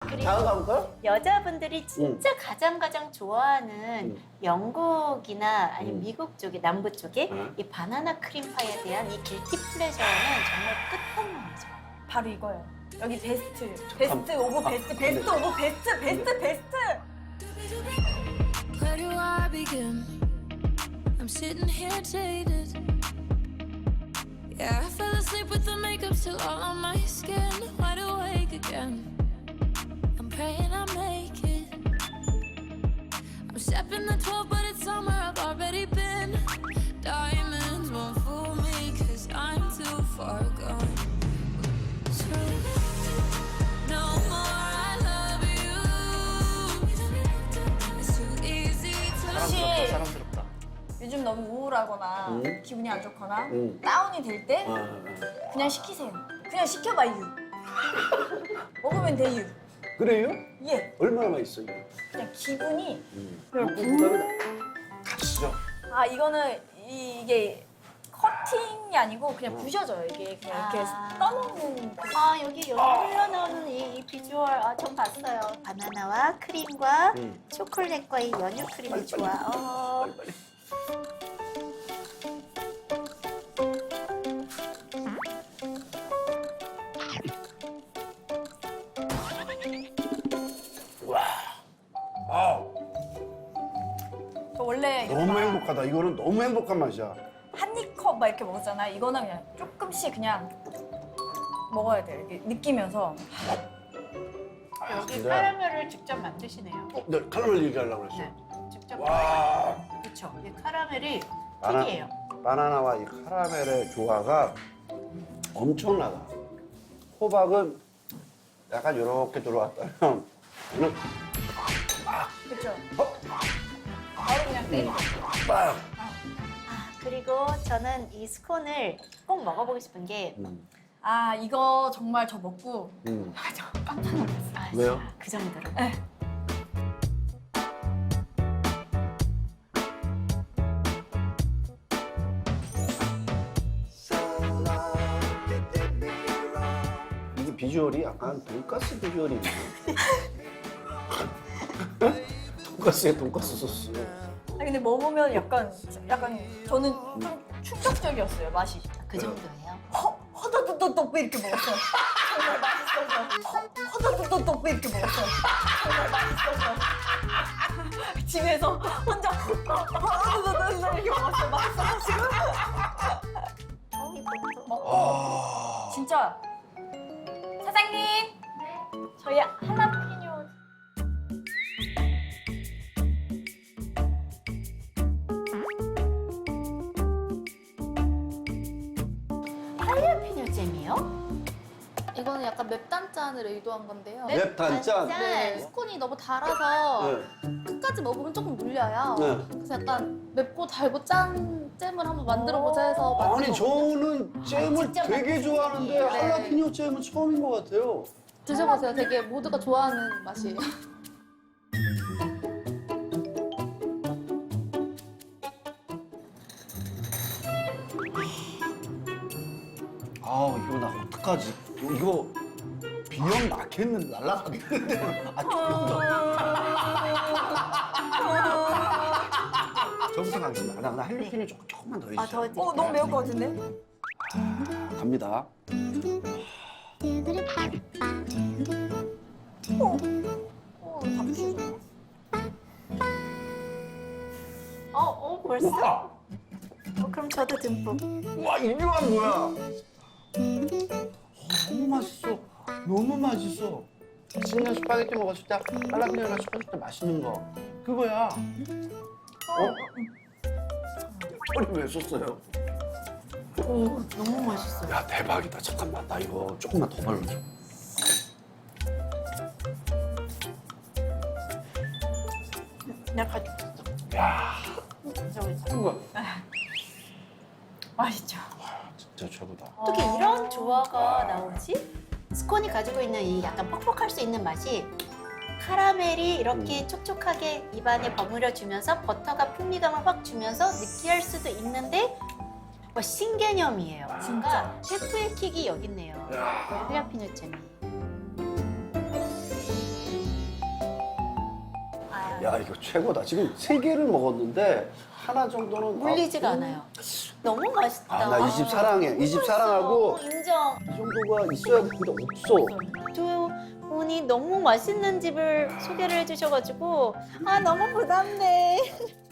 그리고 다음 가볼까요? 여자분들이 진짜 가장 좋아하는 영국이나 아니면 미국 쪽에 남부 쪽에 이 바나나 크림파이에 대한 이 길티 플레저는 정말 끝판왕이죠. 바로 이거예요. 여기 베스트. 베스트 오브 베스트. 베스트 오브 베스트. 베스트 베스트. Where do I begin? I'm sitting here jaded. Yeah, I fell asleep with the makeup still all on my skin. Wide awake again. I'm praying I make it. I'm stepping the 12, but it's summer. I've already been. Diamonds won't fool me, cause I'm too far gone. So, no more I love you. It's too easy to 혹시 사랑스럽다. 요즘 너무 우울하거나 기분이 안 좋거나 응. 다운이 될 때 그냥 시키세요. 그냥 시켜봐요. 먹으면 돼요. 그래요? 예. 얼마나 맛있어요? 그냥 기분이 그다음에 가시죠. 아 이거는 이게 커팅이 아니고 그냥 부셔져요. 이게 그냥 이렇게 떠먹는 그- 여기 흘러나오는 이 비주얼 전 봤어요. 바나나와 크림과 초콜릿과 이 연유 크림의 조화. 빨리. 와, 아, 저 원래 이렇게 너무 막 행복하다. 이거는 너무 행복한 맛이야. 한 입컵 막 이렇게 먹었잖아. 이거는 그냥 조금씩 그냥 먹어야 돼요. 이렇게 느끼면서. 여기 진짜. 카라멜을 직접 만드시네요. 네, 카라멜 얘기하려고 그랬어. 네, 직접. 와, 그렇죠. 이 카라멜이 바나- 특이해요. 바나나와 이 카라멜의 조화가 엄청나다. 호박은 약간 이렇게 들어왔다면 저는 그렇죠. 어? 바로 그냥 때리고. 빡! 그리고 저는 이 스콘을 꼭 먹어보고 싶은 게 아 이거 정말 저 먹고 저 깜짝 놀랐어요. 왜요? 진짜 그 정도로. 네. 이게 비주얼이 약간 돈가스 비주얼이네. 돈가스에 돈가스 소스. 아 근데 먹으면 약간 저는 좀 충격적이었어요 맛이. 그 정도예요. 허더더더덕 이렇게 먹었어요. 정말 맛있어서. 허더더더덕 이렇게 먹었어요. 정말 맛있어서. 집에서 혼자 허더더덕 이렇게 먹었어요. 맛있어가지고. 아, 진짜 사장님. 저희 할라피뇨. 할라피뇨 잼이요? 이거는 약간 맵단짠을 의도한 건데요. 맵 단짠. 네, 스콘이 너무 달아서 네. 끝까지 먹으면 조금 물려요. 네. 그래서 약간 맵고 달고 짠 잼을 한번 만들어보자 해서 아니 만든 거거든요. 저는 잼을 직접 되게 만든 좋아하는데 잼이에요. 할라피뇨 잼은 처음인 것 같아요. 드셔보세요. 되게 모두가 좋아하는 맛이에요. 아 이거 나 어떡하지? 이거 비염 나겠는데 날라가겠는데. 아 조금 더. 저부터 가겠습니다. 나 할라피뇨 조금만 더 해주세요. 더 너무 매울 것 같은데? 갑니다. 다 부셔져. 벌써? 그럼 저도 듬뿍. 와 이거가 뭐야? 너무 맛있어. 너무 맛있어. 신년 스파게티 먹었을 때 할라피뇨랑 섞었을 때 맛있는 거 그거야. 허리 왜 썼어요? 너무 맛있어요. 야 대박이다. 잠깐만 나 이거 조금만 더 발라줘. 내가 가지고 있어. 야 저기 있어. 이거 맛있죠. 진짜 최고다. 어떻게 이런 조화가 나오지? 스콘이 가지고 있는 이 약간 퍽퍽할 수 있는 맛이 카라멜이 이렇게 촉촉하게 입안에 버무려 주면서 버터가 풍미감을 확 주면서 느끼할 수도 있는데 신개념이에요. 진짜 셰프의 킥이 여기 있네요. 할라피뇨 잼이. 야 이거 최고다. 지금 3개를 먹었는데 하나 정도는 물리지가 않아요. 너무 맛있다. 아, 나 이 집 사랑해. 이 집 사랑하고 인정. 이 정도가 있어야 되는데 없어. 두 분이 너무 맛있는 집을 소개를 해주셔가지고 아 너무 부담돼.